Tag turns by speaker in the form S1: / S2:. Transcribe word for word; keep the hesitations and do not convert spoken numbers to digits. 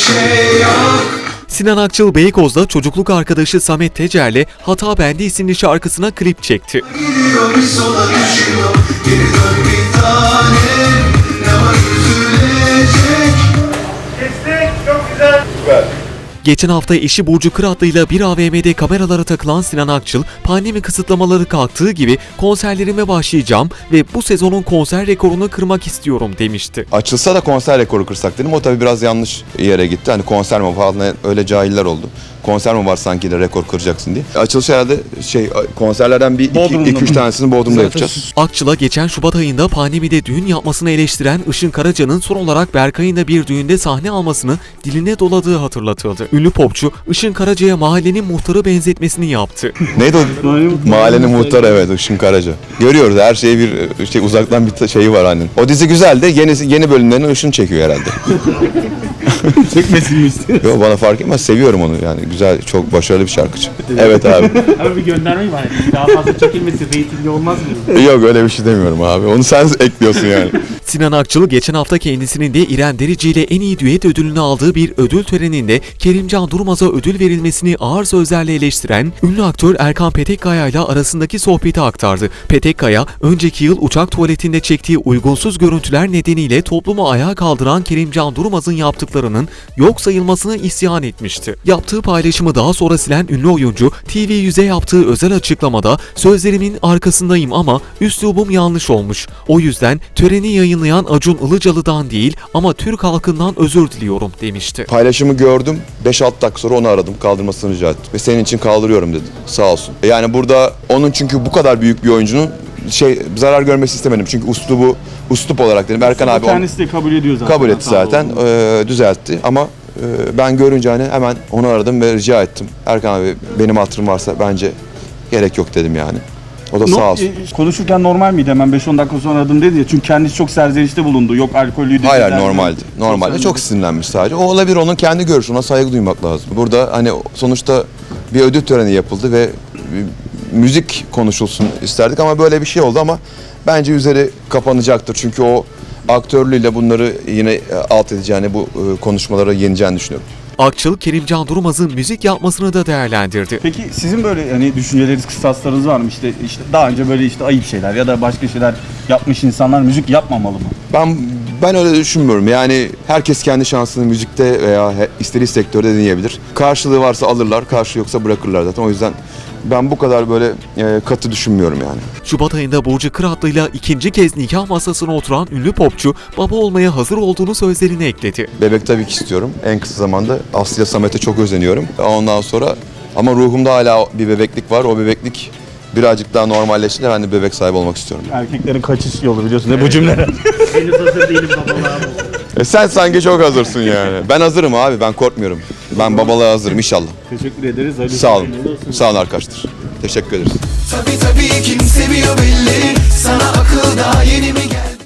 S1: şey yok.
S2: Sinan Akçıl Beykoz'da çocukluk arkadaşı Samet Tecer'le Hata Bende isimli şarkısına klip çekti.
S1: Gidiyor bir sola düşüyor. Geri dön bir tanem. Ne var üzülecek?
S3: Kestik, çok güzel. Süper.
S2: Geçen hafta eşi Burcu Kıratlı ile bir A V M'de kameralara takılan Sinan Akçıl, pandemi kısıtlamaları kalktığı gibi konserlerime başlayacağım ve bu sezonun konser rekorunu kırmak istiyorum demişti.
S4: Açılsa da konser rekoru kırsak dedim. O tabii biraz yanlış yere gitti. Hani konser mi falan, öyle cahiller oldu. Konser mi var sanki de rekor kıracaksın diye. Açılış herhalde şey konserlerden bir iki, iki üç tanesini Bodrum'da yapacağız.
S2: Akçıl'a geçen Şubat ayında pandemide düğün yapmasını eleştiren Işın Karaca'nın son olarak Berkay'ın da bir düğünde sahne almasını diline doladığı hatırlatıldı. Ünlü popçu Işın Karaca'ya mahallenin muhtarı benzetmesini yaptı.
S4: Neydi o? Mahallenin muhtarı, evet, Işın Karaca. Görüyoruz, her şeye bir şey, uzaktan bir şeyi var hani. O dizi güzel de yeni yeni bölümlerini Işın çekiyor herhalde.
S5: Çekmesin mi istiyor?
S4: Yok, bana fark etmez, seviyorum onu yani, güzel, çok başarılı bir şarkıcı. Evet abi.
S5: Abi bir gönderme var. Daha fazla çekilmesi reytingli olmaz mı?
S4: Yok, öyle bir şey demiyorum abi. Onu sen ekliyorsun yani.
S2: Sinan Akçıl geçen hafta kendisinin de İrem Derici ile en iyi düet ödülünü aldığı bir ödül töreninde Kerimcan Durmaz'a ödül verilmesini ağır sözlerle eleştiren ünlü aktör Erkan Petekkaya ile arasındaki sohbeti aktardı. Petekkaya, önceki yıl uçak tuvaletinde çektiği uygunsuz görüntüler nedeniyle toplumu ayağa kaldıran Kerimcan Durmaz'ın yaptıklarının yok sayılmasını isyan etmişti. Yaptığı paylaşımı daha sonra silen ünlü oyuncu, T V yüze yaptığı özel açıklamada "Sözlerimin arkasındayım ama üslubum yanlış olmuş. O yüzden töreni yayınlayan Acun Ilıcalı'dan değil ama Türk halkından özür diliyorum" demişti.
S4: Paylaşımı gördüm. beş altı dakika sonra onu aradım. Kaldırmasını rica ettim. Ve senin için kaldırıyorum dedi. Sağ olsun. Yani burada onun, çünkü bu kadar büyük bir oyuncunun şey zarar görmesi istemedim. Çünkü uslubu, uslup olarak dedim. Erkan abi
S5: kendisi de kabul ediyor zaten.
S4: kabul etti zaten. E, düzeltti ama e, ben görünce hani hemen onu aradım ve rica ettim. Erkan abi, benim hatırım varsa bence gerek yok dedim yani. O da
S5: No,
S4: sağ olsun.
S5: e, konuşurken normal miydi? Hemen beş on dakika sonra aradım dedi ya. Çünkü kendisi çok serzenişte bulundu. Yok alkollüydü.
S4: Hayır,
S5: dediler.
S4: normaldi. Normalde çok, çok sinirlenmiş sadece. O olabilir, onun kendi görüşü, ona saygı duymak lazım. Burada hani sonuçta bir ödül töreni yapıldı ve müzik konuşulsun isterdik ama böyle bir şey oldu ama bence üzeri kapanacaktır. Çünkü o aktörlüğüyle bunları yine alt edeceğini, bu konuşmaları yeneceğini düşünüyorum.
S2: Akçıl, Kerimcan Durmaz'ın müzik yapmasını da değerlendirdi.
S5: Peki sizin böyle hani düşünceleriniz, kıstaslarınız var mı? İşte, işte daha önce böyle işte ayıp şeyler ya da başka şeyler yapmış insanlar müzik yapmamalı mı?
S4: Ben ben öyle düşünmüyorum. Yani herkes kendi şansını müzikte veya istediği sektörde deneyebilir. Karşılığı varsa alırlar, karşılığı yoksa bırakırlar zaten. O yüzden ben bu kadar böyle e, katı düşünmüyorum yani.
S2: Şubat ayında Burcu Kıratlı ile ikinci kez nikah masasına oturan ünlü popçu, baba olmaya hazır olduğunu sözlerine ekledi.
S4: Bebek tabii ki istiyorum. En kısa zamanda Aslı'ya, Samet'e çok özeniyorum. Ondan sonra ama ruhumda hala bir bebeklik var. O bebeklik birazcık daha normalleşince ben de bebek sahibi olmak istiyorum.
S5: Erkeklerin kaçış yolu biliyorsun. Ne bu cümleler? Henüz hazır değilim babalığa.
S4: E sen sanki çok hazırsın yani. Ben hazırım abi, ben korkmuyorum. Ben babalığa hazırım inşallah.
S5: Teşekkür ederiz. Hadi
S4: Sağ olun. Sağ olun arkadaşlar. Teşekkür ederiz.
S1: Tabii tabii kim seviyor belli. Sana akıl daha yeni mi geldi?